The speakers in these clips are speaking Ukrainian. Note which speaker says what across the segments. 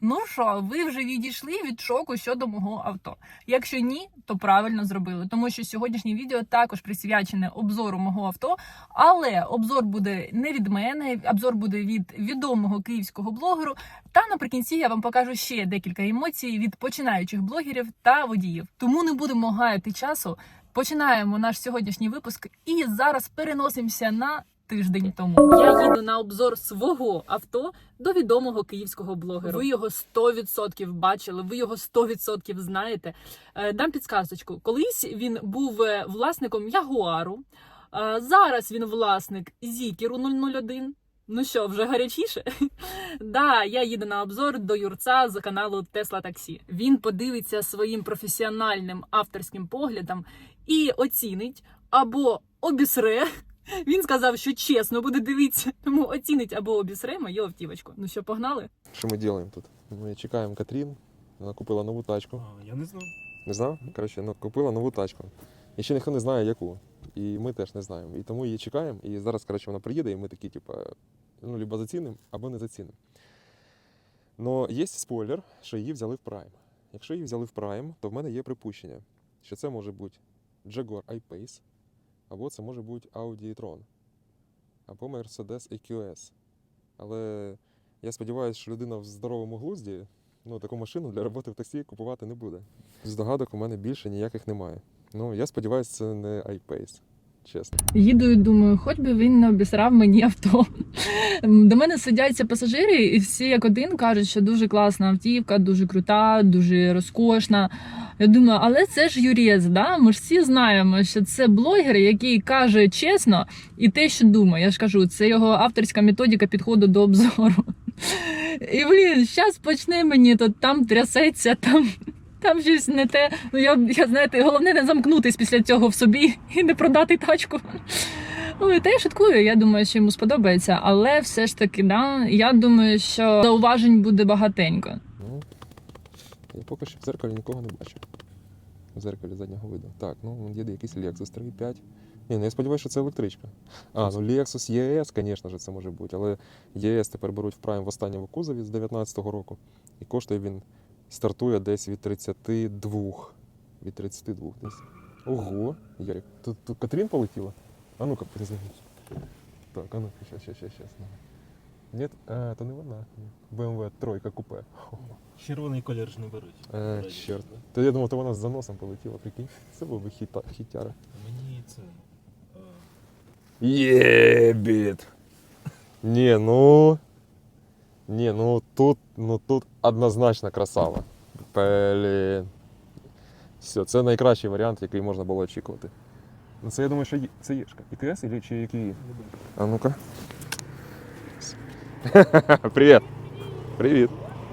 Speaker 1: Ну що, ви вже відійшли від шоку щодо мого авто? Якщо ні, то правильно зробили, тому що сьогоднішнє відео також присвячене обзору мого авто, але обзор буде не від мене, обзор буде від відомого київського блогеру, та наприкінці я вам покажу ще декілька емоцій від починаючих блогерів та водіїв. Тому не будемо гаяти часу, починаємо наш сьогоднішній випуск і зараз переносимося на тиждень тому. Я їду на обзор свого авто до відомого київського блогера. Ви його 100% бачили, ви його 100% знаєте. Дам підсказочку. Колись він був власником Ягуару, зараз він власник Зікеру 001. Ну що, вже гарячіше? Да, я їду на обзор до Юрця з каналу Tesla Taxi. Він подивиться своїм професіональним авторським поглядом і оцінить або обісре. Він сказав, що чесно буде дивитися, тому оцінить або обісре мою автівочку. Ну що, погнали?
Speaker 2: Що ми робимо тут? Ми чекаємо Катрін, вона купила нову тачку.
Speaker 3: Я не знав.
Speaker 2: Не знав? Коротше, купила нову тачку. І ще ніхто не знає, яку. І ми теж не знаємо. І тому її чекаємо. І зараз, коротше, вона приїде, і ми такі, либо зацінимо, або не зацінимо. Но є спойлер, що її взяли в Prime. Якщо її взяли в Prime, то в мене є припущення, що це може бути Jaguar I-Pace, або це може бути Audi e-tron, або Mercedes EQS. Але я сподіваюся, що людина в здоровому глузді таку машину для роботи в таксі купувати не буде. Здогадок у мене більше ніяких немає. Я сподіваюся, це не I-Pace, чесно.
Speaker 1: Їду і думаю, хоч би він не обісрав мені авто. До мене сидяться пасажири і всі як один кажуть, що дуже класна автівка, дуже крута, дуже розкошна. Я думаю, але це ж Юрець, да? Ми ж всі знаємо, що це блогер, який каже чесно і те, що думає. Я ж кажу, це його авторська методика підходу до обзору. І, зараз почне мені, то там трясеться, там щось не те. Я знаєте, головне не замкнутись після цього в собі і не продати тачку. Та я шуткую, я думаю, що йому сподобається, але все ж таки, да, я думаю, що зауважень буде багатенько.
Speaker 2: Я поки що в дзеркалі нікого не бачу. В дзеркалі заднього виду. Так, є якийсь Lexus 3.5. Я сподіваюся, що це електричка. Lexus ES, звісно ж, це може бути, але ES тепер беруть в Prime в останньому кузові з 19-го року. І коштує він, стартує десь від 32. Від 32 десь. Ого, Ярик, тут Катрін полетіла? А ну-ка, перезвонись. Так, а ну-ка, щас. Ні, то не вона. BMW тройка купе.
Speaker 3: Червоний колір ж не беруть.
Speaker 2: Чорт. То я думав, то вона з заносом полетіла, прикинь. Це був би хітяра.
Speaker 3: Мені це...
Speaker 2: Єбіт! Тут однозначно красава. Блін. Все, це найкращий варіант, який можна було очікувати. Це я думаю, що це Єшка. ІТС чи який? А ну-ка. Привіт. Привіт.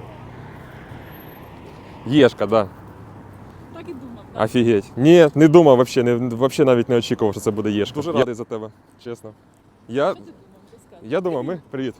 Speaker 2: Єшка, да.
Speaker 1: Так і думав.
Speaker 2: Так? Офігеть. Ні, не думав вообще навіть не очікував, що це буде Єшка. Дуже радий за тебе, чесно. Я думав, Привіт.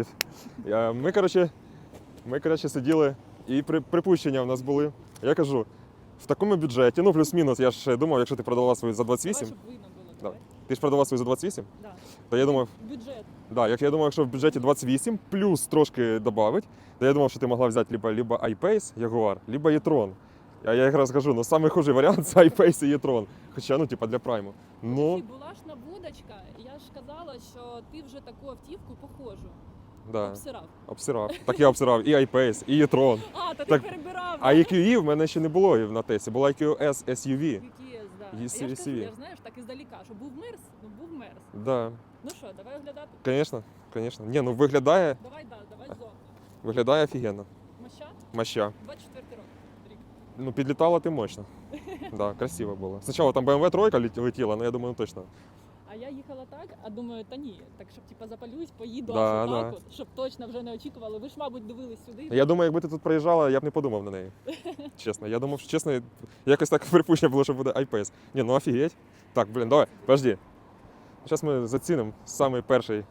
Speaker 2: Ми, коротше, сиділи, і припущення в нас були. Я кажу, в такому бюджеті, плюс-мінус, я ж думав, якщо ти продавала свою за 28. Да. Ти ж продавала свою за 28?
Speaker 1: Да.
Speaker 2: То я думав,
Speaker 1: Бюджет.
Speaker 2: да, я думав, якщо в бюджеті 28, плюс трошки додавить, то я думав, що ти могла взяти либо I-Pace, Jaguar, либо e-tron. А я якраз кажу, самий хужий варіант це I-Pace і e-tron. Хоча, для прайму.
Speaker 1: Була ж наводочка, я ж казала, що ти вже таку автівку похожу.
Speaker 2: Да.
Speaker 1: Обсирав.
Speaker 2: Так я обсирав і I-Pace, і e-tron.
Speaker 1: Ти перебирав.
Speaker 2: А EQE в мене ще не було на тесті, була EQS SUV.
Speaker 1: EQS, да.
Speaker 2: Є
Speaker 1: Я ж кажу,
Speaker 2: CV.
Speaker 1: я ж, знаєш, так іздаліка, що був Мерс, був Мерс.
Speaker 2: Да.
Speaker 1: Ну що, давай оглядати?
Speaker 2: Звісно. Ні, виглядає
Speaker 1: Давай зовні.
Speaker 2: Виглядає офігенно. Моща.
Speaker 1: 24 рік.
Speaker 2: Підлітала ти мощно. Да, красиво було. Спочатку там BMW тройка летіла, але я думаю, точно.
Speaker 1: А я їхала так, а думаю, та ні, так щоб запалюсь, поїду
Speaker 2: Да,
Speaker 1: аж
Speaker 2: да.
Speaker 1: так от, щоб точно вже не очікували. Ви ж, мабуть, дивились сюди.
Speaker 2: Я думаю, якби ти тут проїжджала, я б не подумав на неї. Чесно. Я думав, що чесно, якось так припущення було, що буде I-Pace. Ні, офігеть. Так, давай, подожди. Зараз ми зацінимо самий перший.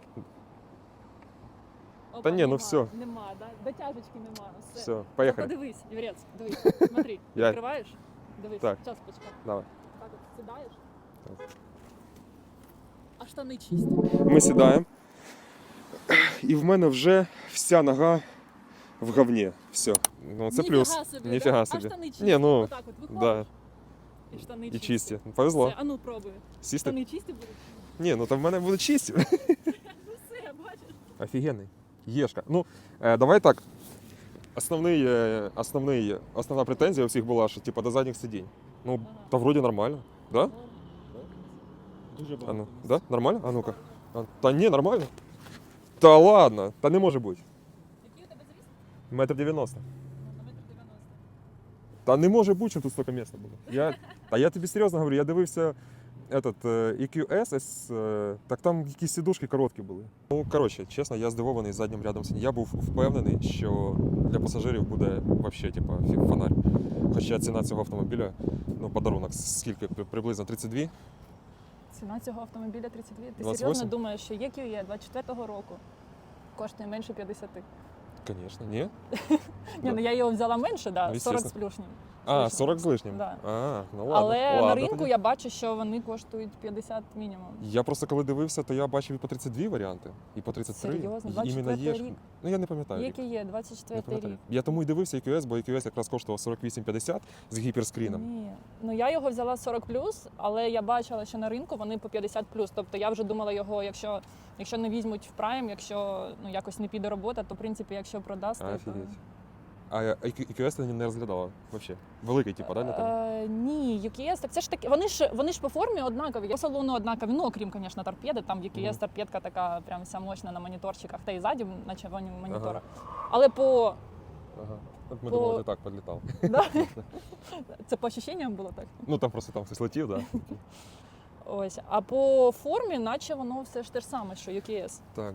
Speaker 1: Опа,
Speaker 2: Та ні,
Speaker 1: нема,
Speaker 2: все.
Speaker 1: Нема, да? Дотяжечки нема.
Speaker 2: Все, поїхали.
Speaker 1: Подивись, Юрець, дивись, смотри,
Speaker 2: Я-
Speaker 1: відкриваєш, дивись,
Speaker 2: Так.
Speaker 1: час почекай.
Speaker 2: Давай.
Speaker 1: Так от сідаєш,
Speaker 2: Так.
Speaker 1: а штани чисті.
Speaker 2: Ми сідаємо. І в мене вже вся нога в говні. Все. Ну, це плюс. Ніфіга
Speaker 1: А
Speaker 2: собі.
Speaker 1: штани чисті?
Speaker 2: Ні, ну,
Speaker 1: Отак от виходиш,
Speaker 2: да.
Speaker 1: і штани
Speaker 2: І чисті. Повезло.
Speaker 1: Все, а ну пробуй.
Speaker 2: Сісти?
Speaker 1: Штани чисті будуть?
Speaker 2: Ні, ну там в мене будуть чисті.
Speaker 1: Ну все, бачиш.
Speaker 2: Офігенний. Єшка. Ну, давай так. Основна претензія у всіх була, що типу, до задніх сидінь. Ну,
Speaker 1: Ага.
Speaker 2: та вроді нормально. Да?
Speaker 3: Дуже
Speaker 2: А
Speaker 3: багато.
Speaker 2: ну, да? Нормально? А ну-ка. Та ні, нормально. Та ладно, та не може бути.
Speaker 1: Який у тебе завіс?
Speaker 2: Метр 90.
Speaker 1: На метр 90.
Speaker 2: Та не може бути, що тут стільки місця було. Та я тобі серйозно говорю, я дивився EQS, так там якісь сідушки короткі були. Ну, коротше, чесно, я здивований заднім рядом сидінь. Я був впевнений, що для пасажирів буде взагалі типа, фонарь. Хоча ціна цього автомобіля, ну, подарунок, скільки? Приблизно 32?
Speaker 1: Ціна цього автомобіля 32. Ти
Speaker 2: 28?
Speaker 1: серйозно думаєш, що EQE 24-го року коштує менше 50?
Speaker 2: Звісно, ні.
Speaker 1: Ні, ну я його взяла менше, да,
Speaker 2: Ну,
Speaker 1: 40 з
Speaker 2: естественно.
Speaker 1: плюшнім.
Speaker 2: А, 40 з лишнім?
Speaker 1: Да.
Speaker 2: А, ну ладно.
Speaker 1: Але на
Speaker 2: ладно,
Speaker 1: ринку
Speaker 2: тоді.
Speaker 1: я бачу, що вони коштують 50 мінімум.
Speaker 2: Я просто коли дивився, то я бачив і по 32 варіанти, і по 33.
Speaker 1: Серйозно?
Speaker 2: І іменно
Speaker 1: 24-й
Speaker 2: є.
Speaker 1: рік?
Speaker 2: Ну я не пам'ятаю. рік.
Speaker 1: EQE
Speaker 2: Не
Speaker 1: 24
Speaker 2: пам'ятаю.
Speaker 1: рік.
Speaker 2: Я тому і дивився EQS, бо EQS якраз коштував 48,50 з гіперскріном.
Speaker 1: Ні. Ну я його взяла 40 але я бачила, що на ринку вони по 50 Тобто я вже думала його, якщо не візьмуть в прайм, якщо ну якось не піде робота, то в принципі, якщо продасти, то...
Speaker 2: Офігеть. А EQS ти не розглядала взагалі? Великий, типу, да, не так?
Speaker 1: Ні, UKS, так це ж таки, вони ж по формі однакові, по салону однакові, ну окрім, звісно, торпеди, там UKS
Speaker 2: Мгм.
Speaker 1: торпедка така прям вся мощна на моніторчиках, та і ззаді на червоні монітори.
Speaker 2: Ага.
Speaker 1: Але по...
Speaker 2: Ага. От ми
Speaker 1: по-
Speaker 2: думали, ти так підлітав.
Speaker 1: Да? Це по ощущенням було так?
Speaker 2: Ну там просто там хтось летів, так. Да?
Speaker 1: Ось. А по формі, наче воно все ж те ж саме, що UKS.
Speaker 2: Так,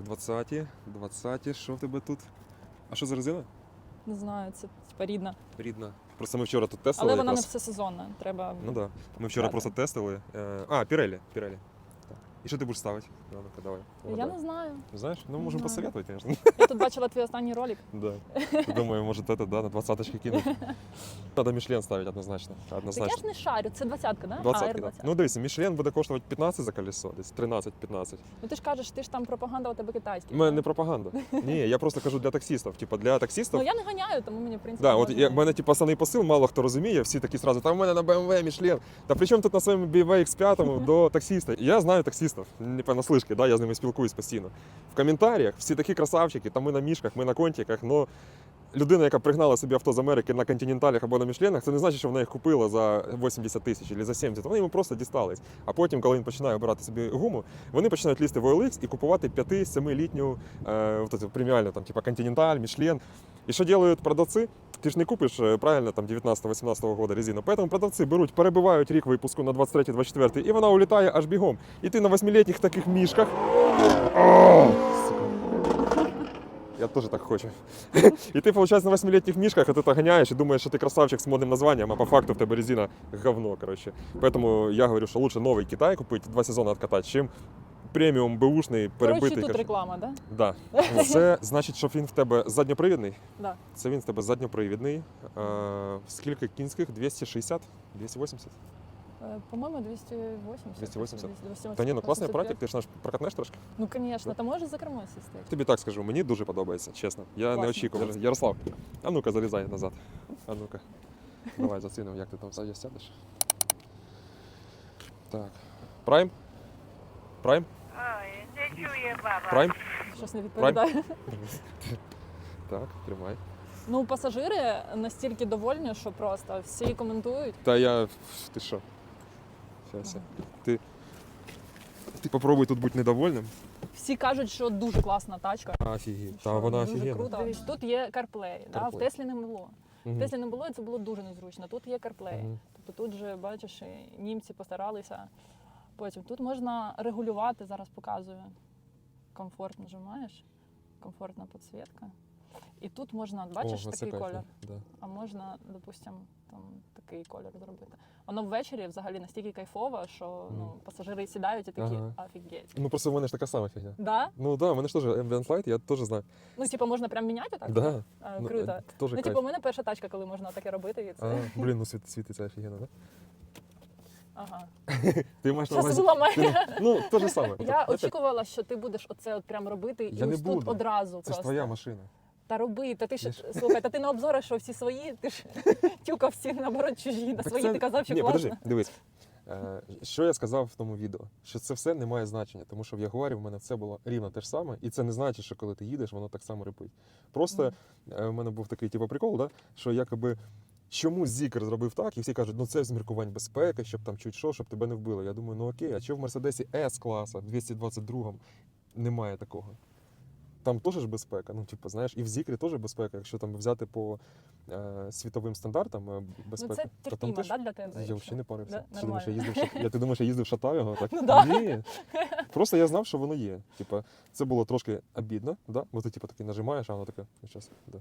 Speaker 2: 20-ті, що в тебе тут? А що за резина?
Speaker 1: Не знаю, це типа рідна.
Speaker 2: Рідна. Просто ми вчора тут тестили.
Speaker 1: Але вона не
Speaker 2: якраз.
Speaker 1: всесезонна. Треба.
Speaker 2: Ну так. Да. Ми вчора
Speaker 1: брати.
Speaker 2: просто тестили. Pirelli. Так. І що ти будеш ставити? Ну-ка, давай.
Speaker 1: Я
Speaker 2: угадай.
Speaker 1: не знаю.
Speaker 2: Знаєш? Ну, можемо
Speaker 1: знаю.
Speaker 2: посоветувати, звісно.
Speaker 1: Я тут бачила твій останній ролик.
Speaker 2: Да. Думаю, может это, да, на 20-очки кинуть. Надо Мішлен ставити однозначно.
Speaker 1: Так я
Speaker 2: Однозначно.
Speaker 1: ж не шарю, це 20-ка, да?
Speaker 2: 20-ки, да.
Speaker 1: R20.
Speaker 2: Ну дивися, Мішлен буде коштувати 15 за колесо, десь 13-15.
Speaker 1: Ну ти ж кажеш, ти ж там пропаганда у тебе китайська.
Speaker 2: У мене не пропаганда. Ні, я просто кажу для таксістів. Типа для таксістів.
Speaker 1: Ну я не ганяю, тому мені в принципі.
Speaker 2: Да, от
Speaker 1: можна.
Speaker 2: як в мене типу, основний посил, мало хто розуміє, всі такі сразу, там в мене на BMW Мішлен. Та при чому тут на своєму BMW X5 до таксиста? Я знаю таксистів, не понаслышки, да, я з ними спілкуюсь постійно. В коментарях всі такі красавчики, там ми на мішках, ми на контиках, но людина, яка пригнала собі авто з Америки на континенталях або на Мішленах, це не значить, що вона їх купила за 80 тисяч або за 70. Вони йому просто дістались. А потім, коли він починає обирати собі гуму, вони починають лізти в OLX і купувати 5-7-літню преміальну, там, типа Continental, Мішлен. І що роблять продавці? Ти ж не купиш правильно там 19-18 года резину. Поэтому продавці беруть, перебивають рік випуску на 23-24 і вона улітає аж бігом. І ти на 8-літніх таких мішках. О, сука. Я теж так хочу. І ти, виходить, на 8-літніх мішках, а ти так ганяєш і думаєш, що ти красавчик з модним названням, а по факту в тебе резина говно, коротше. Поэтому я говорю, що лучше новий Китай купити, 2 сезони відкатати, чим преміум беушний перебитий.
Speaker 1: Коротше, тут
Speaker 2: коротше.
Speaker 1: реклама, да?
Speaker 2: Да. Це значить, що він в тебе задньопривідний.
Speaker 1: Да.
Speaker 2: Це він в тебе задньопривідний. Скільки кінських? 260? 280?
Speaker 1: По-моєму, 280.
Speaker 2: 280?
Speaker 1: 280.
Speaker 2: Та ні, ну класний
Speaker 1: 85.
Speaker 2: апаратик, ти ж наш прокатнеш трошки.
Speaker 1: Ну, звісно, ти можеш за кермо сісти.
Speaker 2: Тобі так скажу, мені дуже подобається, чесно. Я
Speaker 1: Класно.
Speaker 2: не очікував. Ярослав, а ну-ка, залізай назад. А ну-ка. Давай зацінимо, як ти там ззаді сядеш. Так. Прайм? Прайм?
Speaker 4: Ой, не чує баба.
Speaker 2: Прайм?
Speaker 1: Щось не відповідає.
Speaker 2: Так, тримай.
Speaker 1: Ну, пасажири настільки довольні, що просто всі коментують.
Speaker 2: Та я. Ти що? Щас я. Ти попробуй тут бути недовольним.
Speaker 1: Всі кажуть, що дуже класна тачка.
Speaker 2: Офігеть.
Speaker 1: що
Speaker 2: Та вона
Speaker 1: дуже
Speaker 2: офігенна.
Speaker 1: круто. Дивись, тут є CarPlay, да? в
Speaker 2: CarPlay.
Speaker 1: Теслі не було. В
Speaker 2: Мгм.
Speaker 1: Теслі не було, і це було дуже незручно. Тут є CarPlay.
Speaker 2: Мгм.
Speaker 1: Тобто тут же, бачиш, і німці постаралися. Потім тут можна регулювати, зараз показую. Комфорт нажимаєш, комфортна підсвітка. І тут можна, бачиш,
Speaker 2: О, це
Speaker 1: такий
Speaker 2: кайф,
Speaker 1: колір.
Speaker 2: Да.
Speaker 1: А можна, допустимо, там такий колір зробити. Воно ввечері взагалі настільки кайфово, що ну, пасажири сідають і такі
Speaker 2: Ага.
Speaker 1: офігеть.
Speaker 2: Ну просто в мене ж така сама фігня.
Speaker 1: Да?
Speaker 2: Ну да, в мене ж теж Ambient Light, я теж знаю.
Speaker 1: Ну, типу, можна прям міняти отак?
Speaker 2: Да. Ну,
Speaker 1: Круто.
Speaker 2: теж
Speaker 1: Ну,
Speaker 2: кайф.
Speaker 1: типу, у мене перша тачка, коли можна таке робити. І це...
Speaker 2: Блін, ну світиться офігенно, да?
Speaker 1: Ага.
Speaker 2: Ти маєш на
Speaker 1: Щас
Speaker 2: увазі...
Speaker 1: зламає.
Speaker 2: Ну, те ж саме.
Speaker 1: Я очікувала, що ти будеш оце от прям робити
Speaker 2: Я
Speaker 1: і
Speaker 2: не
Speaker 1: ось тут
Speaker 2: буду.
Speaker 1: одразу
Speaker 2: Це ж
Speaker 1: просто.
Speaker 2: твоя машина.
Speaker 1: Та роби, та ти ж,
Speaker 2: Я ж-
Speaker 1: слухай, та ти на обзорах, що всі свої, ти ж тюкав всі, наоборот, чужі, на
Speaker 2: Так
Speaker 1: свої
Speaker 2: це-
Speaker 1: ти казав, що
Speaker 2: Ні,
Speaker 1: класно.
Speaker 2: подожди, дивись. Що я сказав в тому відео? Що це все не має значення, тому що в Ягуарі в мене все було рівно те ж саме, і це не значить, що коли ти їдеш, воно так само рипить. Просто в мене був такий типу, прикол, да? Що якоби чому Зікер зробив так, і всі кажуть, ну це з міркувань безпеки, щоб там чуть що, щоб тебе не вбили. Я думаю, ну окей, а чого в Мерседесі С-класа 222-му немає такого? Там теж ж безпека, ну, типу, знаєш, і в Зікрі теж безпека, якщо там взяти по світовим стандартам безпеки.
Speaker 1: Ну це
Speaker 2: то там
Speaker 1: терпімо,
Speaker 2: теж
Speaker 1: да, для тебе?
Speaker 2: я
Speaker 1: якщо?
Speaker 2: взагалі не парився.
Speaker 1: Да?
Speaker 2: Ти думаєш, я
Speaker 1: Нормально.
Speaker 2: їздив, ти думаєш, я їздив шатав його? Так?
Speaker 1: Ну да.
Speaker 2: Ні. Просто я знав, що воно є. Типа, це було трошки обідно, да? Бо ти типу, такий нажимаєш, а воно таке, щас, да.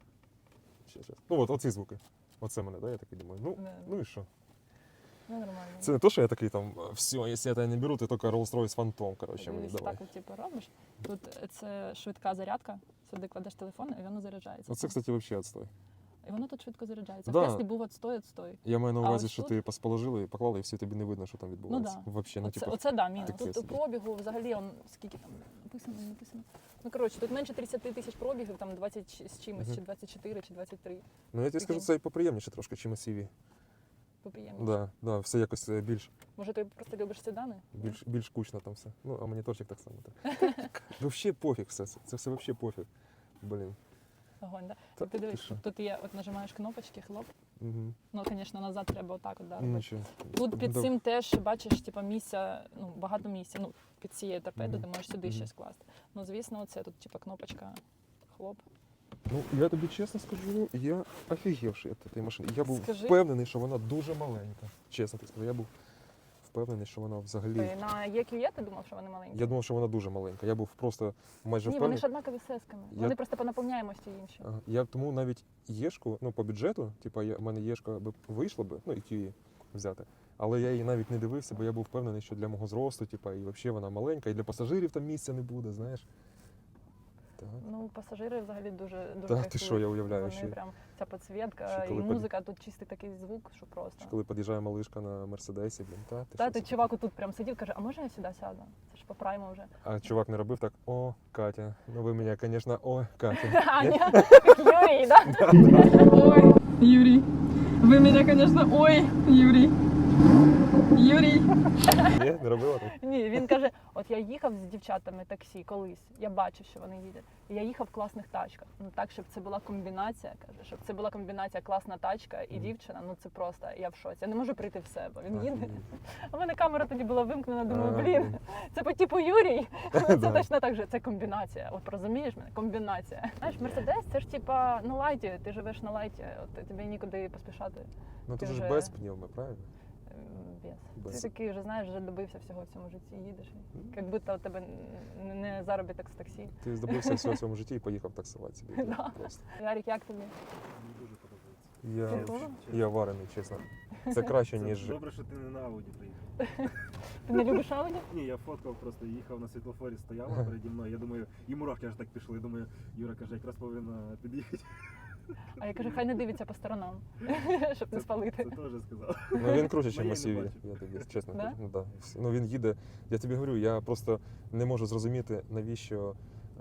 Speaker 2: Щас. Ну от, оці звуки. Оце мене, да? Я такий думаю,
Speaker 1: Да.
Speaker 2: ну і що?
Speaker 1: Ну, нормально.
Speaker 2: Це не то, що я такий там, все, якщо я тебе не беру, ти тільки Rolls-Royce Phantom, коротше, мені
Speaker 1: Дивись,
Speaker 2: давай.
Speaker 1: так, от, типу, робиш. Тут це швидка зарядка, сюди кладеш телефон, і воно заряджається.
Speaker 2: Оце, кстати, взагалі відстой.
Speaker 1: І воно тут швидко заряджається.
Speaker 2: Да.
Speaker 1: В Теслі був отстой.
Speaker 2: Я маю на
Speaker 1: А
Speaker 2: увазі,
Speaker 1: ось
Speaker 2: що
Speaker 1: тут?
Speaker 2: ти положили і поклали, і все тобі не видно, що там відбувається.
Speaker 1: да.
Speaker 2: Вообще, ну,
Speaker 1: Оце,
Speaker 2: типу,
Speaker 1: оце да, мінус.
Speaker 2: таке
Speaker 1: Тут
Speaker 2: собі.
Speaker 1: пробігу взагалі, скільки там написано. Ну, коротше, тут менше 30 тисяч пробігів, там 20 з чимось,
Speaker 2: Мгм.
Speaker 1: чи 24, чи 23.
Speaker 2: ну я тобі скажу, це і поприємніше трошки, чим SUV.
Speaker 1: Поприємніше.
Speaker 2: Да, все якось більш
Speaker 1: Може, ти просто любиш седани?
Speaker 2: більш кучно там все. Ну, а моніторчик так само. Так. Вообще пофіг все. Це все вообще пофіг. Блін.
Speaker 1: Огонь, да?
Speaker 2: Та
Speaker 1: Ти дивись,
Speaker 2: ти що?
Speaker 1: тут є, от нажимаєш кнопочки, хлоп.
Speaker 2: Угу.
Speaker 1: Ну, звісно, назад треба отак от, да, робити.
Speaker 2: Нічого.
Speaker 1: Тут під
Speaker 2: Да.
Speaker 1: цим теж бачиш, типу, місця, ну, багато місця. Ну, під цією торпедою
Speaker 2: Мгм.
Speaker 1: ти можеш сюди
Speaker 2: Мгм.
Speaker 1: щось класти. Ну, звісно, це тут, типу, кнопочка, хлоп.
Speaker 2: Ну, я тобі чесно скажу, я офігівши від цієї машини. Я був
Speaker 1: Скажи.
Speaker 2: впевнений, що вона дуже маленька. Чесно тобі скажу, я був впевнений, що вона взагалі.
Speaker 1: Ти на EQE ти думав, що вони маленькі?
Speaker 2: Я думав, що вона дуже маленька. Я був просто майже
Speaker 1: Ні, вони
Speaker 2: впевнений.
Speaker 1: ж однакові з сесками.
Speaker 2: Я-
Speaker 1: Вони просто по наповняємості інші.
Speaker 2: Ага. Я тому навіть єшку, ну по бюджету, типу, в мене єшка би вийшла би, ну і QE взяти. Але я її навіть не дивився, бо я був впевнений, що для мого зросту, типу, і взагалі вона маленька, і для пасажирів там місця не буде, знаєш. Так.
Speaker 1: Ну, пасажири взагалі дуже
Speaker 2: Та
Speaker 1: кайфують.
Speaker 2: ти що, я уявляю,
Speaker 1: Вони
Speaker 2: ще.
Speaker 1: прям ця підсвітка
Speaker 2: Ще
Speaker 1: і
Speaker 2: коли
Speaker 1: музика, тут чистий такий звук, що просто.
Speaker 2: Коли під'їжджає малишка на Мерседесі, блін, та ти
Speaker 1: Та
Speaker 2: що
Speaker 1: ти
Speaker 2: це?
Speaker 1: чувак тут прям сидів, каже, а може я сюди сяду? Це ж по прайму вже.
Speaker 2: А чувак не робив так: о, Катя, ну ви мене, звісно, о, Катя.
Speaker 1: Аня, Юрій, да? Ой, Юрій. Ви мене, звісно, ой, Юрій. Юрій.
Speaker 2: Ні, не робила так?
Speaker 1: Ні, він каже, от я їхав з дівчатами таксі колись, я бачив, що вони їдять. І я їхав в класних тачках. Ну так, щоб це була комбінація, каже, щоб це була комбінація класна тачка і дівчина, ну це просто, я в шоці. Я не можу прийти в себе. Він їде. А в мене камера тоді була вимкнена, думаю, блін, це по типу Юрій. Це
Speaker 2: Да.
Speaker 1: точно так же, це комбінація. От розумієш мене? Комбінація. Знаєш, Мерседес, це ж типа на лайті, ти живеш на лайті, от тобі нікуди поспішати.
Speaker 2: Ну
Speaker 1: Ти
Speaker 2: ти ж
Speaker 1: вже-
Speaker 2: без пневми, правильно?
Speaker 1: Без.
Speaker 2: Без.
Speaker 1: Ти такий вже знаєш, вже добився всього в цьому житті, їдеш. Як будто у тебе не заробіток з таксі.
Speaker 2: Ти здобувся всього в своєму житті і поїхав таксувати собі.
Speaker 1: Да.
Speaker 2: Просто.
Speaker 1: Ярик, як тобі?
Speaker 3: Мені дуже подобається.
Speaker 2: Я,
Speaker 1: Прикольно.
Speaker 2: я варений, чесно. Це краще,
Speaker 3: Це
Speaker 2: ніж.
Speaker 3: добре, що ти не на Ауді приїхав.
Speaker 1: Ти не любиш Ауді?
Speaker 3: Ні, я фоткав, просто їхав на світлофорі, стояла переді мною. Я думаю, і мурахи аж так пішли. Я думаю, Юра каже, якраз повинна під'їхати.
Speaker 1: А я кажу, хай не дивиться по сторонам, щоб не спалити.
Speaker 3: Це теж сказав.
Speaker 2: Ну він круче, ніж
Speaker 3: Ну, я не
Speaker 2: SUV,
Speaker 3: бачив.
Speaker 2: я тобі чесно
Speaker 1: Да?
Speaker 2: кажу. Ну, да. Ну він їде. Я тобі говорю, я просто не можу зрозуміти, навіщо.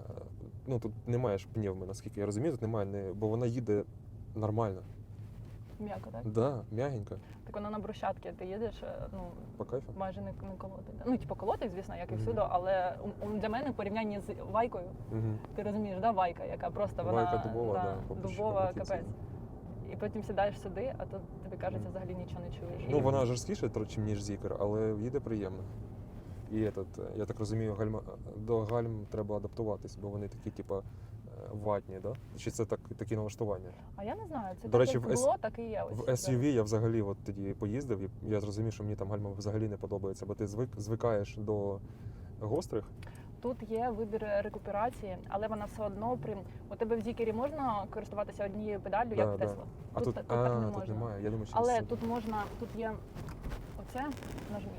Speaker 2: Ну тут немає ж пневми, наскільки я розумію, тут немає, бо вона їде нормально.
Speaker 1: М'яко, так?
Speaker 2: Да, м'ягенько,
Speaker 1: Так вона на брусчатки, ти їдеш, ну,
Speaker 2: по кайфу.
Speaker 1: майже не колотить. Ну, типу, колотить, звісно, як і
Speaker 2: Мгм.
Speaker 1: всюди, але для мене в порівнянні з Вайкою,
Speaker 2: Угу.
Speaker 1: ти розумієш, да, Вайка, яка просто вона
Speaker 2: Вайка дубова, да,
Speaker 1: дубова,
Speaker 2: по
Speaker 1: капець. І потім сідаєш сюди, а тут тобі кажеться, взагалі нічого не чуєш.
Speaker 2: Ну вона жорсткіша, ніж Зікер, але їде приємно. І я так розумію, до гальм треба адаптуватись, бо вони такі, типа, ватні, да? Чи це такі налаштування?
Speaker 1: А я не знаю, це
Speaker 2: До
Speaker 1: так,
Speaker 2: речі,
Speaker 1: як
Speaker 2: в
Speaker 1: було, так і є.
Speaker 2: В SUV я взагалі от тоді поїздив, і я зрозумів, що мені там гальма взагалі не подобається, бо ти звикаєш до гострих.
Speaker 1: Тут є вибір рекуперації, але вона все одно у тебе в Зікері можна користуватися однією педаллю, як в
Speaker 2: Да.
Speaker 1: Тесла.
Speaker 2: А тут,
Speaker 1: так не
Speaker 2: тут
Speaker 1: можна.
Speaker 2: немає. Я думаю, що
Speaker 1: Але
Speaker 2: це-
Speaker 1: тут можна, тут є оце нажмі.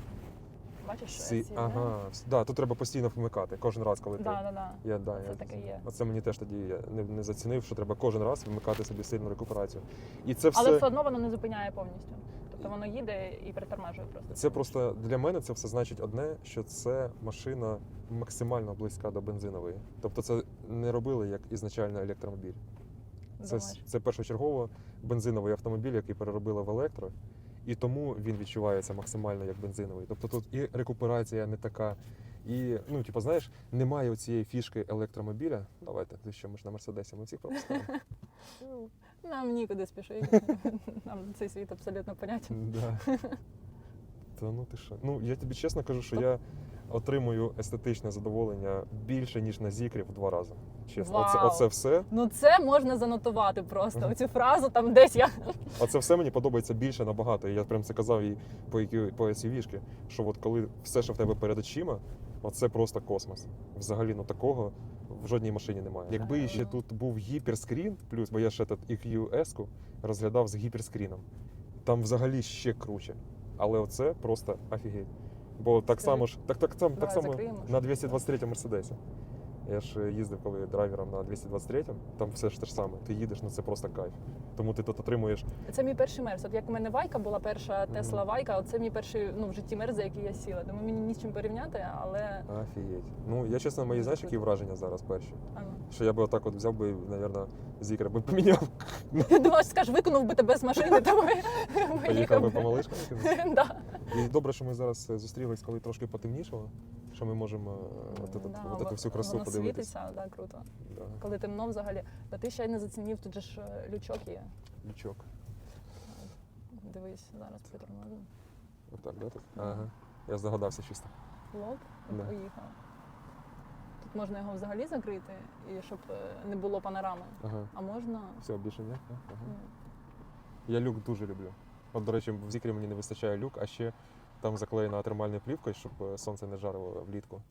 Speaker 1: Бачиш, що
Speaker 2: Ці- ага, да, тут треба постійно вмикати, кожен раз, коли ти.
Speaker 1: Да.
Speaker 2: Я
Speaker 1: Це таке є.
Speaker 2: Оце мені теж тоді я не зацінив, що треба кожен раз вмикати собі сильну рекуперацію. І це все.
Speaker 1: Але все одно воно не зупиняє повністю. Тобто воно їде і притормажує просто.
Speaker 2: Це просто для мене це все значить одне, що це машина максимально близька до бензинової. Тобто це не робили як ізначально електромобіль.
Speaker 1: Думаєш?
Speaker 2: Це першочергово бензиновий автомобіль, який переробили в електро, і тому він відчувається максимально як бензиновий. Тобто тут і рекуперація не така, і, ну, типу, знаєш, немає цієї фішки електромобіля. Давайте, ти що, ми ж на Мерседесі, ми всіх пропускаємо.
Speaker 1: Нам нікуди спішити. Нам цей світ абсолютно понятен.
Speaker 2: Да. Та ну ти що? Ну, я тобі чесно кажу, що я отримую естетичне задоволення більше, ніж на Зікрі в 2 рази. Чесно.
Speaker 1: Вау.
Speaker 2: Оце все.
Speaker 1: Ну це можна занотувати просто. Оцю фразу там десь я.
Speaker 2: Оце все мені подобається більше набагато. І я прям це казав і по SUV-шки, що от коли все, що в тебе перед очима, оце просто космос. Взагалі, ну такого в жодній машині немає. Якби ще тут був гіперскрін, плюс, бо я ще тут EQS-ку розглядав з гіперскріном, там взагалі ще круче. Але оце просто офігеть. Бо так
Speaker 1: Скажи.
Speaker 2: само ж, так само
Speaker 1: закриємо,
Speaker 2: на 223 Мерседесі. Я ж їздив коли драйвером на 223, там все ж те ж саме. Ти їдеш, ну це просто кайф. Тому ти тут отримуєш.
Speaker 1: Це мій перший мерз. От як у мене Вайка була перша Тесла Вайка, оце мій перший в житті мерз, за який я сіла. Тому мені ні з чим порівняти, але
Speaker 2: Офігеть. Ну, я чесно, мої знаєш, які враження зараз перші?
Speaker 1: а ну.
Speaker 2: Що я би отак от взяв би, мабуть, Зікра би поміняв,
Speaker 1: Я думала, що скажеш, виконав би тебе з машини, тому
Speaker 2: поїхав би по малишкам.
Speaker 1: Да.
Speaker 2: І добре, що ми зараз зустрілись, коли трошки потемнішало, що ми можемо от цю всю красу
Speaker 1: воно
Speaker 2: подивитися.
Speaker 1: світиться, да, круто.
Speaker 2: Да.
Speaker 1: Коли темно взагалі. Та ти ще й не зацінив, тут же ж лючок є.
Speaker 2: Лючок.
Speaker 1: Дивись, зараз притормозимо.
Speaker 2: Отак, да? Тут? Ага. Я здогадався чисто.
Speaker 1: Лоб і
Speaker 2: Да.
Speaker 1: поїхав. Тут можна його взагалі закрити, і щоб не було панорами.
Speaker 2: Ага.
Speaker 1: А можна.
Speaker 2: Все, більше ні? Ага.
Speaker 1: ну,
Speaker 2: Я люк дуже люблю. От, до речі, в Зікрі мені не вистачає люк, а ще там заклеєна термальною плівкою, щоб сонце не жарило влітку.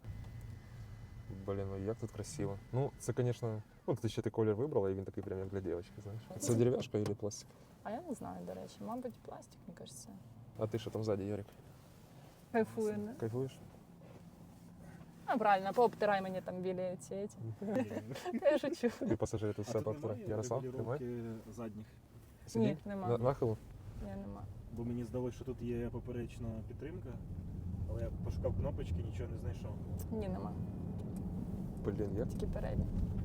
Speaker 2: Блін, ну як тут красиво. Ну, це, звісно, ну ти ще ти колір вибрала, і він такий прям як для дівчинки, знаєш. Це дерев'яшка або пластик?
Speaker 1: А я не знаю, до речі. Мабуть, пластик, мені кажеться.
Speaker 2: А ти що там ззаді, Ярик?
Speaker 1: Кайфує, не?
Speaker 2: Кайфуєш?
Speaker 1: А, правильно, пообтирай мені там білі ці. Я шучу.
Speaker 2: І пасажири тут все повторяють. Ярослав, немає?
Speaker 3: регулювання задніх?
Speaker 1: Ні, нема.
Speaker 2: Нахилу?
Speaker 1: Ні, нема.
Speaker 3: Бо мені здалося, що тут є поперечна підтримка, але я пошукав кнопочки, нічого не знайшов.
Speaker 1: Ні, нема.
Speaker 2: Блін, як?
Speaker 1: Тільки передні.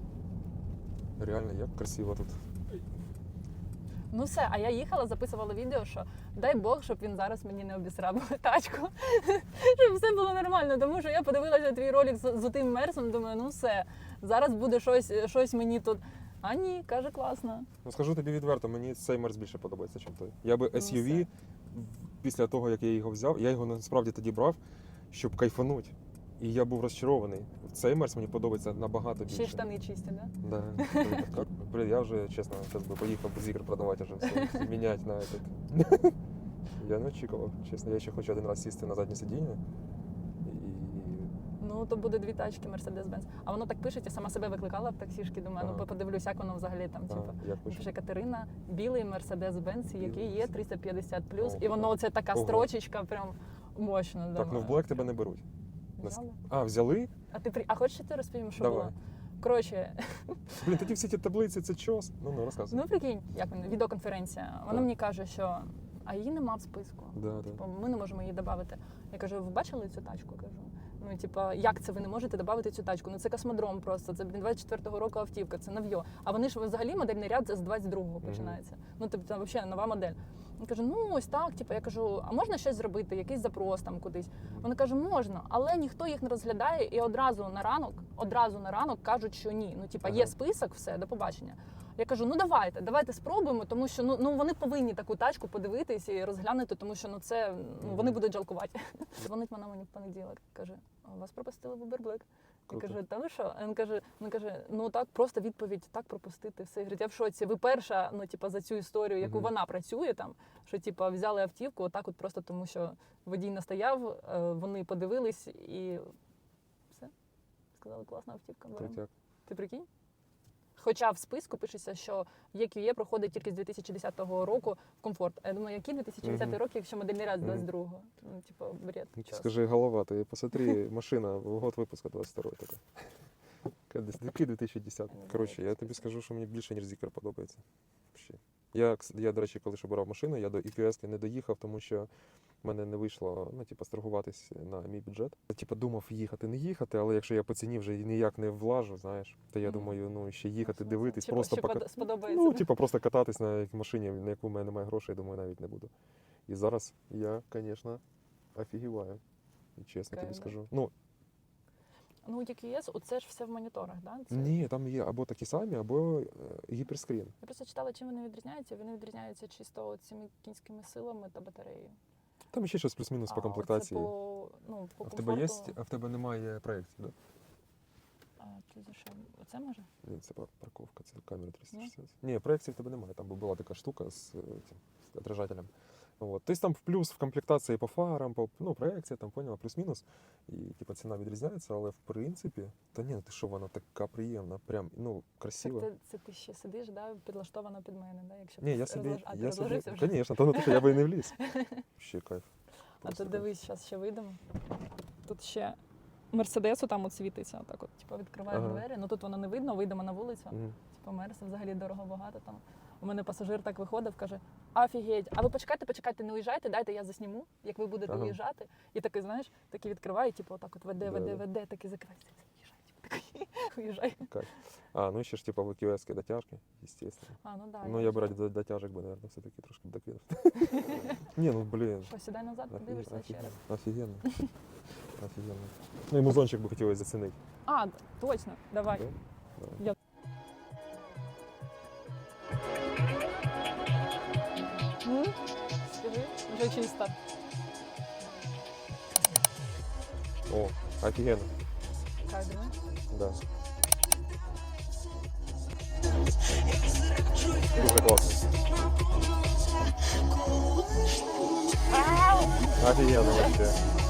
Speaker 2: Реально, як красиво тут.
Speaker 1: Ну все, а я їхала, записувала відео, що дай Бог, щоб він зараз мені не обісрав тачку. Щоб все було нормально. Тому що я подивилася твій ролик з тим мерсом, думаю, ну все, зараз буде щось мені тут. А ні, каже, класно.
Speaker 2: Ну скажу тобі відверто, мені цей мерс більше подобається, ніж той. Я би SUV, після того, як я його взяв, я його насправді тоді брав, щоб кайфануть. І я був розчарований. Цей мерс мені подобається набагато більше.
Speaker 1: Ще й штани чисті, да?
Speaker 2: Да. Блин, я вже, чесно, зараз би поїхав без ігр продавати вже все, міняти на этот. Я не очікував, чесно. Я ще хочу один раз сісти на заднє сидіння.
Speaker 1: Ну, то буде 2 тачки Mercedes-Benz. А воно так пишеться, сама себе викликала в таксішки, думаю,
Speaker 2: Ага.
Speaker 1: ну подивлюсь, як воно взагалі там, типу.
Speaker 2: Як пише?
Speaker 1: Пише Катерина, білий Mercedes-Benz, який є 350
Speaker 2: Ого.
Speaker 1: і воно оце така
Speaker 2: Ого.
Speaker 1: строчечка, прям мощно.
Speaker 2: Так, ну в Black тебе не беруть.
Speaker 1: Взяли?
Speaker 2: А, взяли?
Speaker 1: А хочеш я ти розповім, що
Speaker 2: Давай.
Speaker 1: було? Коротше,
Speaker 2: Блін, тоді всі ті таблиці, це чос. Ну, розказуй.
Speaker 1: ну прикинь, як вона, відеоконференція. Вона
Speaker 2: Так.
Speaker 1: мені каже, що а її нема в списку.
Speaker 2: Да, да.
Speaker 1: Типу, ми не можемо її додати. Я кажу, ви бачили цю тачку? Кажу. Ну, типа, як це ви не можете додати цю тачку? Ну це космодром просто. Це 24-го року автівка, це нав'йо. А вони ж взагалі модельний ряд з 22-го починається. Ну, тобто, там взагалі нова модель. Я кажу, ну ось так, типу, я кажу, а можна щось зробити, якийсь запрос там кудись? Вони кажуть, можна, але ніхто їх не розглядає і одразу на ранок кажуть, що ні. Ну, типа, є список, все, до побачення. Я кажу, ну давайте спробуємо, тому що ну вони повинні таку тачку подивитись і розглянути, тому що ну це вони будуть жалкувати. Дзвонить вона мені в понеділок, каже, а вас пропустили в Uber Black. Я
Speaker 2: Круто.
Speaker 1: кажу, та ви що? Він каже, ну так, просто відповідь, так пропустити все. Говорить, я в шоці. Ви перша, ну типа за цю історію, яку вона працює там, що типа взяли автівку, отак от просто тому, що водій настояв, вони подивились і все. Сказали, класна автівка. беремо».
Speaker 2: Крутяк.
Speaker 1: Ти прикинь? Хоча в списку пишеться, що EQE проходить тільки з 2010 року в комфорт. А я думаю, який 2010 рік, якщо модельний ряд з 22-го? Ну, типу, бред. Час.
Speaker 2: Скажи, голова, ти посмотри, машина, год випуску 22 така. Який 2010. Коротше, я тобі скажу, що мені більше, ніж Зікер подобається. Взагалі. Я, до речі, коли ж обирав машину, я до EQS не доїхав, тому що в мене не вийшло, ну, типу, страхуватись на мій бюджет. Типу, думав їхати, не їхати, але якщо я по ціні вже ніяк не влажу, знаєш, то я думаю, ну, ще їхати, дивитись, просто
Speaker 1: сподобається.
Speaker 2: ну, типу, просто кататись на якій машині, на яку в мене немає грошей, думаю, навіть не буду. І зараз я, звісно, офігіваю. Чесно тобі
Speaker 1: Кайф, да.
Speaker 2: скажу. Ну,
Speaker 1: Ну, EQS, оце ж все в моніторах, да? Це...
Speaker 2: ні, там є або такі самі, або гіперскрін.
Speaker 1: Я просто читала, чим вони відрізняються. Вони відрізняються чисто цими кінськими силами та батареєю.
Speaker 2: Там ще щось плюс-мінус по
Speaker 1: А
Speaker 2: комплектації.
Speaker 1: оце по, ну, по
Speaker 2: А в тебе є,
Speaker 1: комфорту.
Speaker 2: а в тебе немає проєкції, так?
Speaker 1: А, це за що? Оце може?
Speaker 2: Ні, це парковка, це камера 360. Ні, проекції в тебе немає. Там була така штука з отражателем. От. Тобто там в плюс в комплектації по фарам, по ну, проекція, там поняла, плюс-мінус. І типу, ціна відрізняється, але в принципі, та ні, ну ти що, вона така приємна, прям ну, красива.
Speaker 1: Це ти ще сидиш, да, підлаштовано під мене, да? Якщо
Speaker 2: Ні,
Speaker 1: ти
Speaker 2: я собі,
Speaker 1: а, ти
Speaker 2: я собі,
Speaker 1: розложився вже?
Speaker 2: звісно, то не те, що я би і не вліз. Ще кайф.
Speaker 1: А
Speaker 2: Просто
Speaker 1: то
Speaker 2: кайф.
Speaker 1: дивись, зараз ще вийдемо. Тут ще Мерседесу там от світиться, отак от, типу, відкриваємо
Speaker 2: Ага.
Speaker 1: двері. Ну тут воно не видно, вийдемо на вулицю.
Speaker 2: Мгм.
Speaker 1: Типу, Мерс взагалі дорого багато там. У мене пасажир так виходив, каже: офігеть, а ви почекайте, не уїжджайте, дайте я засніму, як ви будете
Speaker 2: Ага.
Speaker 1: уїжджати. І такий, знаєш, такий відкриває, типу, отак от веде,
Speaker 2: Да-да.
Speaker 1: такий закриває, уїжджай, типу, такий, уїжджай.
Speaker 2: А, ну ще ж типу в EQS дотяжки, естественно.
Speaker 1: А, ну да.
Speaker 2: Ну, я б раді дотяжок би, наверное, все-таки трошки докинув. Ні, ну, блін.
Speaker 1: Посідай назад, подивишся ще раз.
Speaker 2: Офігенно. Офігенно. Ну і музончик би хотілося зацінити.
Speaker 1: А, точно, давай.
Speaker 2: Да? Давай.
Speaker 1: Я- Скажи, вже чисто.
Speaker 2: О, офігенно.
Speaker 1: Кайф, да?
Speaker 2: Да. Дуже класно. Офігенно вообще.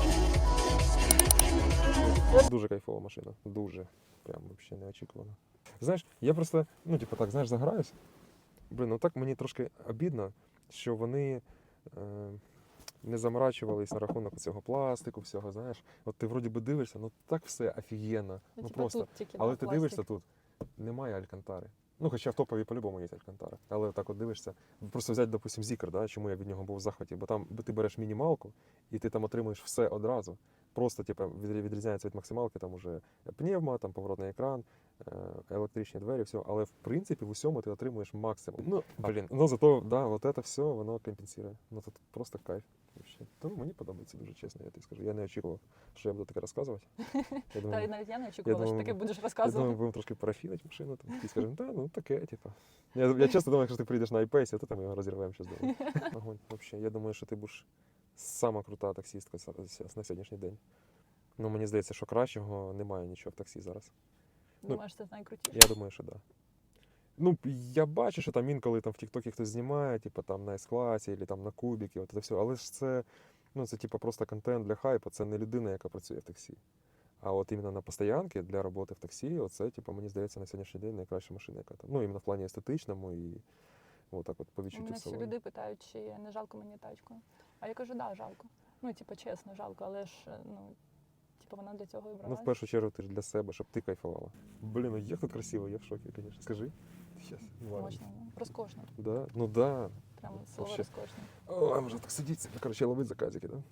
Speaker 2: Дуже кайфова машина. Дуже. Прям вообще неочікувано. Знаєш, я просто, ну, типу так, знаєш, заграюсь. Блін, ну так мені трошки обідно, що вони не заморачувались на рахунок цього пластику, всього, знаєш. От ти вроді би дивишся, ну так все офігенно. Ну
Speaker 1: типу,
Speaker 2: просто.
Speaker 1: тут тільки,
Speaker 2: Але
Speaker 1: да,
Speaker 2: ти
Speaker 1: пластик.
Speaker 2: дивишся тут, немає алькантари. Ну, хоча в топові по-любому є алькантара. Але так от дивишся, просто взяти, допустим, Зікр, да, чому я від нього був в захваті, бо там ти береш мінімалку, і ти там отримуєш все одразу. Просто типу, відрізняється від максималки, там уже пневма, там поворотний екран, електричні двері, все. Але в принципі в усьому ти отримуєш максимум. Ну, блін, ну зато, да, от це все воно компенсує. Ну тут просто кайф. Вообще. Тому мені подобається дуже чесно, я тобі скажу. Я не очікував, що я буду таке розказувати. Я
Speaker 1: Та й
Speaker 2: думаю,
Speaker 1: навіть я не очікувала, що
Speaker 2: думаю,
Speaker 1: таке будеш
Speaker 2: я думаю,
Speaker 1: розказувати.
Speaker 2: будемо трошки парафінити машину, там, і скажемо, та, ну таке, типу. Я часто думаю, якщо ти прийдеш на iPace, то там його розірвемо щось дома. Огонь, вообще. Я думаю, що ти будеш сама крута таксістка на сьогоднішній день. Ну, мені здається, що кращого немає нічого в таксі зараз.
Speaker 1: Думаєш, це найкрутіше?
Speaker 2: Я думаю, що так. Да. Ну, я бачу, що там інколи там в Тіктокі хтось знімає, типу там на S-класі, або там на кубіки, от це все. Але ж це, ну, це типу просто контент для хайпу, це не людина, яка працює в таксі. А от іменно на постоянки для роботи в таксі, оце, типу, мені здається, на сьогоднішній день найкраща машина, яка там. Ну, іменно в плані естетичному і отак от по
Speaker 1: У
Speaker 2: відчуттю
Speaker 1: мене
Speaker 2: в
Speaker 1: всі
Speaker 2: салоні.
Speaker 1: люди питають, чи не жалко мені тачку. А я кажу, да, жалко. Ну, типу, чесно, жалко, але ж, ну, типу, вона для цього і брала.
Speaker 2: Ну, в першу чергу, ти ж для себе, щоб ти кайфувала. Блін, ну як тут красиво, я в шокі, звісно. Скажи. Щас,
Speaker 1: Мощно, ну, розкошно.
Speaker 2: Да? Ну да.
Speaker 1: Прямо слово
Speaker 2: Вообще.
Speaker 1: розкошно.
Speaker 2: Ой, може так сидіти. Короче, ловить заказики, да?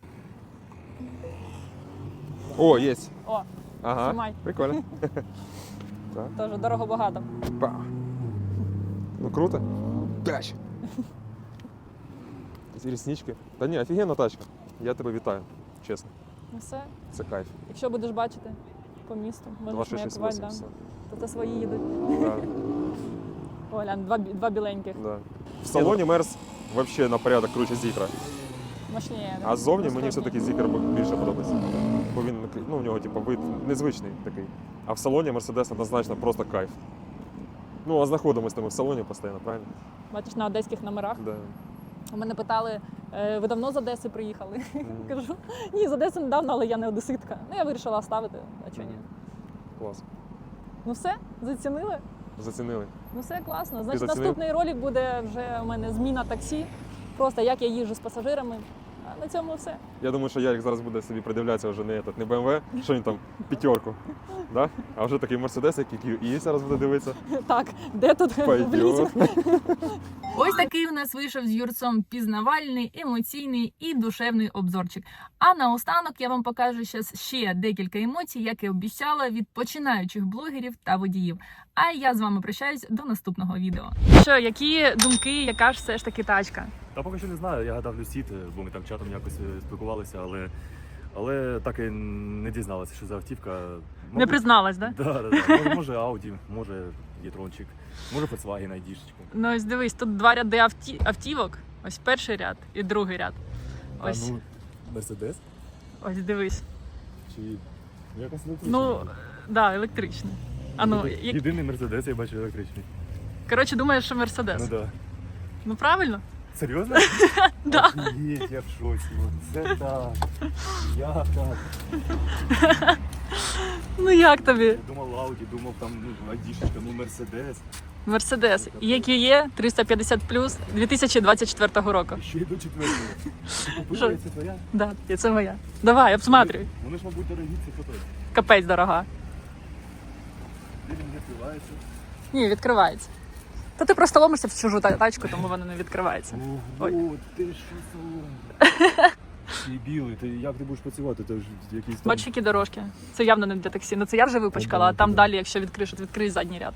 Speaker 2: О, є.
Speaker 1: О,
Speaker 2: Ага.
Speaker 1: Знімай.
Speaker 2: Прикольно.
Speaker 1: теж дорого багато.
Speaker 2: Па. Ну круто. Дач. Ці ріснички. Та ні, офігенна тачка. Я тебе вітаю, чесно.
Speaker 1: Ну все,
Speaker 2: Це кайф.
Speaker 1: якщо будеш бачити по місту, можеш маякувати,
Speaker 2: 2668.
Speaker 1: да.
Speaker 2: все.
Speaker 1: То це свої їдуть.
Speaker 2: Да,
Speaker 1: О, глянь, два біленьких.
Speaker 2: да. В салоні Мерс вообще на порядок круче Зікра.
Speaker 1: Мощніє. да?
Speaker 2: А ззовні мені
Speaker 1: Розкошніше.
Speaker 2: все-таки Зікр більше подобається. Бо він, ну, у нього типу, вид незвичний такий. А в салоні Мерседес однозначно просто кайф. Ну, а знаходимося ми в салоні постійно, правильно?
Speaker 1: Бачиш, на одеських номерах.
Speaker 2: Да.
Speaker 1: У мене питали, ви давно з Одеси приїхали?
Speaker 2: Мгм.
Speaker 1: Кажу, ні, з Одеси недавно, але я не одеситка. Ну, я вирішила оставити, а чого ні.
Speaker 2: Клас.
Speaker 1: Ну все, зацінили?
Speaker 2: Зацінили.
Speaker 1: Ну все класно. Значить,
Speaker 2: зацінив?
Speaker 1: наступний ролик буде вже у мене зміна таксі. Просто як я їжджу з пасажирами. А на цьому все.
Speaker 2: Я думаю, що Ярик зараз буде собі придивлятися вже не BMW, що він там, п'ятерку, да? А вже такий Мерседес, який і зараз буде дивитися.
Speaker 1: Так, де тут
Speaker 2: Пойдет.
Speaker 1: Ось такий у нас вийшов з Юрцом пізнавальний, емоційний і душевний обзорчик. А наостанок я вам покажу ще декілька емоцій, як і обіцяла, від починаючих блогерів та водіїв. А я з вами прощаюсь до наступного відео. Що, які думки, яка ж все ж таки тачка?
Speaker 5: Та поки що не знаю, я гадав Люсід, бо ми там чатом якось спілкувалися, але так і не дізналася, що за автівка.
Speaker 1: Не призналась, да?
Speaker 5: Да. Може Audi, може Єтрончик, може Volkswagen ID-шечку.
Speaker 1: Ну ось дивись, тут два ряди автівок. Ось перший ряд і другий ряд. Ось,
Speaker 5: Мерседес?
Speaker 1: ось дивись.
Speaker 5: Чи якось електричний?
Speaker 1: Ну, да, електричний. А ну,
Speaker 5: Єдиний Мерседес я бачу електричний.
Speaker 1: коротше, думаєш, що Мерседес.
Speaker 5: Ну да.
Speaker 1: Ну правильно?
Speaker 5: Серйозно?
Speaker 1: Да.
Speaker 5: Офігеть, я в шоці. Це так. Як так?
Speaker 1: Ну як тобі?
Speaker 5: Я думав Audi, думав там ID-шечка, Мерседес.
Speaker 1: Мерседес EQE 350+, 2024 року.
Speaker 5: І ще й до четвертого. Ти
Speaker 1: Що?
Speaker 5: купила, це твоя?
Speaker 1: Да, це моя. Давай, обсматрюй.
Speaker 5: Вони ж, мабуть, дорогі, це фото.
Speaker 1: Капець дорога.
Speaker 5: Де він відкривається?
Speaker 1: Ні, відкривається. Та ти просто ломишся в чужу тачку, тому вона не відкривається. Ой.
Speaker 5: Ого, ти що салон? Ти білий, як ти будеш працювати? Це ж якийсь там...
Speaker 1: Бачиш, які дорожки. Це явно не для таксі. Ну це я вже випачкала, а там далі, якщо відкриєш, відкрий задній ряд.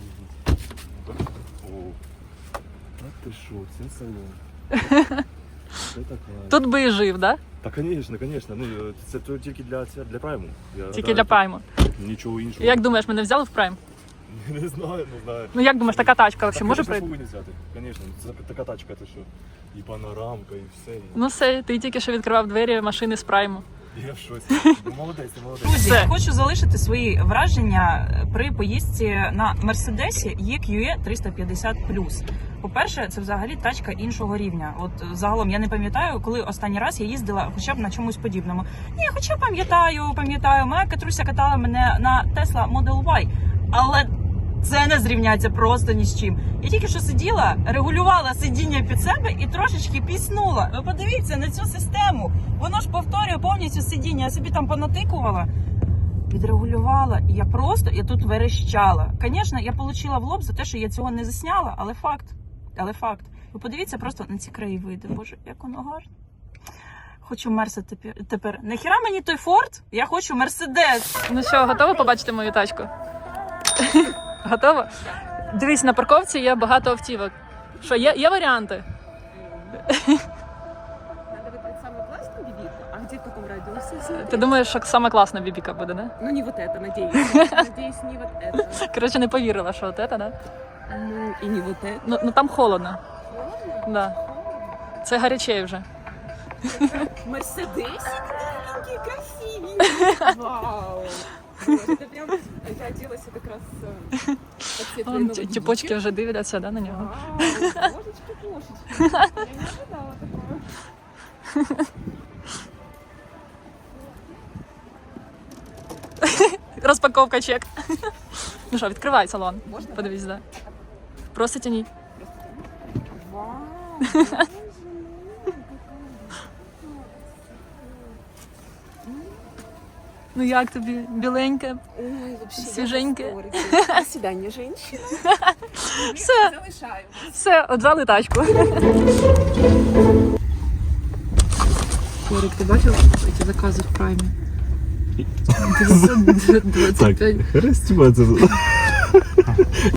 Speaker 5: О, а ти що, це салон. Це така.
Speaker 1: Тут би і жив, да?
Speaker 5: Та, звісно. Ну, це то тільки для прайму.
Speaker 1: Тільки для прайму.
Speaker 5: Нічого іншого.
Speaker 1: Як думаєш, мене взяли в прайм?
Speaker 5: Не знаю.
Speaker 1: Ну як думаєш, така тачка взагалі може
Speaker 5: прийти?
Speaker 1: прийти?
Speaker 5: Повинні взяти, звісно. Це така тачка, ти що. І панорамка, і все.
Speaker 1: Ну все, ти тільки що відкривав двері машини з прайму.
Speaker 5: Я в шоці. Ну, молодець, ти молодець.
Speaker 6: Друзі,
Speaker 1: Все.
Speaker 6: хочу залишити свої враження при поїздці на Мерседесі EQE 350+. По-перше, це взагалі тачка іншого рівня. От загалом я не пам'ятаю, коли останній раз я їздила хоча б на чомусь подібному. Ні, хоча пам'ятаю, моя Катруся катала мене на Tesla Model Y, але це не зрівняється просто ні з чим. Я тільки що сиділа, регулювала сидіння під себе і трошечки піснула. Ви подивіться на цю систему. Воно ж повторює повністю сидіння. Я собі там понатикувала, відрегулювала. І я тут верещала. Звісно, я отримала в лоб за те, що я цього не засняла, але факт. Ви подивіться просто на ці краєвиди. Боже, як воно гарно. Хочу Мерса тепер. Нахіра мені той Форд? Я хочу Мерседес.
Speaker 1: Ну що, готова побачити мою тачку? Готова? Дивись, на парковці є багато автівок. Що, є варіанти?
Speaker 7: Надо выбрать самую классную бибику, а где в каком радиусе?
Speaker 1: Ти думаєш, що саме класна бібіка буде, да?
Speaker 7: Ну не вот это, надеюсь. Надеюсь, не вот это.
Speaker 1: Коротше, не повірила, що от це, да?
Speaker 7: Ну и не вот это.
Speaker 1: Ну там холодно. Да. Це гарячей вже.
Speaker 7: Мерседесик маленький, красивенький. Вау. Вот, это прям, я оделась как раз под цвет
Speaker 1: Вон,
Speaker 7: твоей новой
Speaker 1: тіпочки
Speaker 7: бибики.
Speaker 1: вже дивляться, да, на нього.
Speaker 7: Вау, кошечки. Я не ожидала такого.
Speaker 1: Розпаковка чек. Ну що, відкривай салон.
Speaker 7: Можна?
Speaker 1: Подивись, да. Просто тяніть.
Speaker 7: Вау.
Speaker 1: Ну як тобі? Біленьке?
Speaker 7: Ой, вообще,
Speaker 1: Свеженькая.
Speaker 7: я в восторге. До свидания, женщина.
Speaker 1: Все,
Speaker 7: Залишаю.
Speaker 1: все, отжали тачку. Ярик, ти бачив ці закази в праймі? 925.
Speaker 5: Хрестюба це.